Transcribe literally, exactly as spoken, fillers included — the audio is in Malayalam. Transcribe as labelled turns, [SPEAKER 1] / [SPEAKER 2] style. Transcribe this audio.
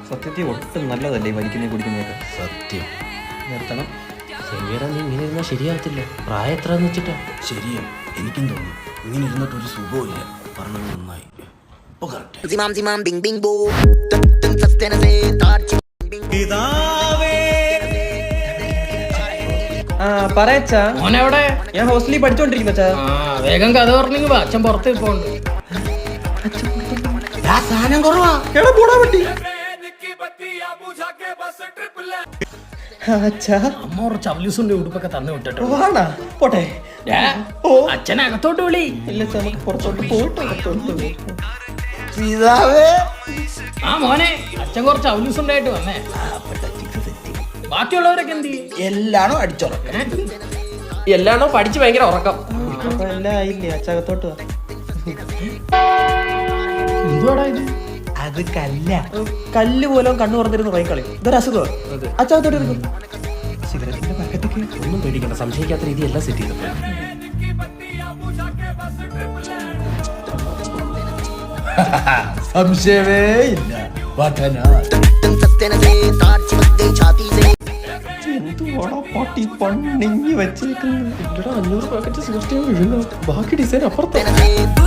[SPEAKER 1] സത്യത്തിൽ ഒട്ടും നല്ലതല്ലേ ഈ വലിക്കുന്ന കുടിക്കുന്നതൊക്കെ.
[SPEAKER 2] സത്യം
[SPEAKER 1] നിർത്തണം.
[SPEAKER 2] ശരിയാ, നീ ഇങ്ങനെ ഇരുന്നാൽ ശരിയാകത്തില്ല. പ്രായം എത്രയെന്ന് വെച്ചിട്ടാ?
[SPEAKER 3] ശരിയാ, എനിക്കും തോന്നുന്നു ഇങ്ങനെ ഇരുന്നിട്ട് ഒരു സുഖമില്ല. പറഞ്ഞത് നന്നായി. ഇപ്പോൾ correct.
[SPEAKER 4] Zimam zimam bing bing boo. Tum tum sustena se tarchi bing bing.
[SPEAKER 1] ആ പറയച്ചാ,
[SPEAKER 5] മോനെവിടെ?
[SPEAKER 1] ഞാൻ ഹോസ്റ്റലിൽ പഠിച്ചോണ്ടിരിക്കുന്ന അച്ഛാ.
[SPEAKER 5] ആ വേഗം കഥ പറഞ്ഞെങ്കിൽ വാ, അച്ഛൻ പുറത്ത് പോണ്ട്.
[SPEAKER 3] സാധനം കുറവാ.
[SPEAKER 1] എടാ പോടാ പറ്റി. അച്ഛാ
[SPEAKER 5] അമ്മ കുറച്ച് അവലൂസിന്റെ ഉടുപ്പൊക്കെ തന്നു വിട്ടിട്ടോ.
[SPEAKER 1] വാണാ പോട്ടെ.
[SPEAKER 5] ഏ, അച്ഛനെ അകത്തോട്ട് വിളി.
[SPEAKER 1] ഇല്ല അച്ഛാ, നമുക്ക് പുറത്തോട്ട് പോയിട്ട് അകത്തോട്ട് പോയി.
[SPEAKER 3] പിതാവേ,
[SPEAKER 5] ആ മോനെ, അച്ഛൻ കുറച്ച് അവലൂസ് ഉണ്ടായിട്ട് വന്നേ. ബാക്കിയുള്ളവരൊക്കെ എന്ത് ചെയ്യും?
[SPEAKER 3] എല്ലാണോ അടിച്ചോളാം.
[SPEAKER 2] എല്ലാണോ പഠിച്ച് ഭയങ്കര ഉറക്കം.
[SPEAKER 1] അപ്പൊ എല്ലാം ആയില്ലേ, അച്ഛാ അകത്തോട്ട് വാ.
[SPEAKER 5] എന്തുവാടാ ഇത്?
[SPEAKER 3] അത് കല്ല.
[SPEAKER 1] കല്ല് പോലും കണ്ണു പറഞ്ഞിരുന്ന് പോയിക്കളി. ഇതൊരു അസുഖമാണ്. അച്ഛാ അകത്തോട്ട് എടുക്കും. സിഗരറ്റിന്റെ പാക്കറ്റൊക്കെ
[SPEAKER 2] ഒന്നും പേടിക്കണ്ട, സംശയിക്കാത്ത രീതി എല്ലാം സെറ്റ് ചെയ്തു.
[SPEAKER 3] സംശയമേ ഇല്ല.
[SPEAKER 4] Tum sustena se tarchi madde chati se.
[SPEAKER 1] എന്തുവാടാ പട്ടി പണിഞ്ഞ് വെച്ചേക്കുന്നത്.
[SPEAKER 2] അഞ്ഞൂറ് പാക്കറ്റ് സിഗരറ്റ് വിഴുങ്ങ, ബാക്കി ഡിസൈൻ അപ്പുറത്ത്.
[SPEAKER 4] Sustena se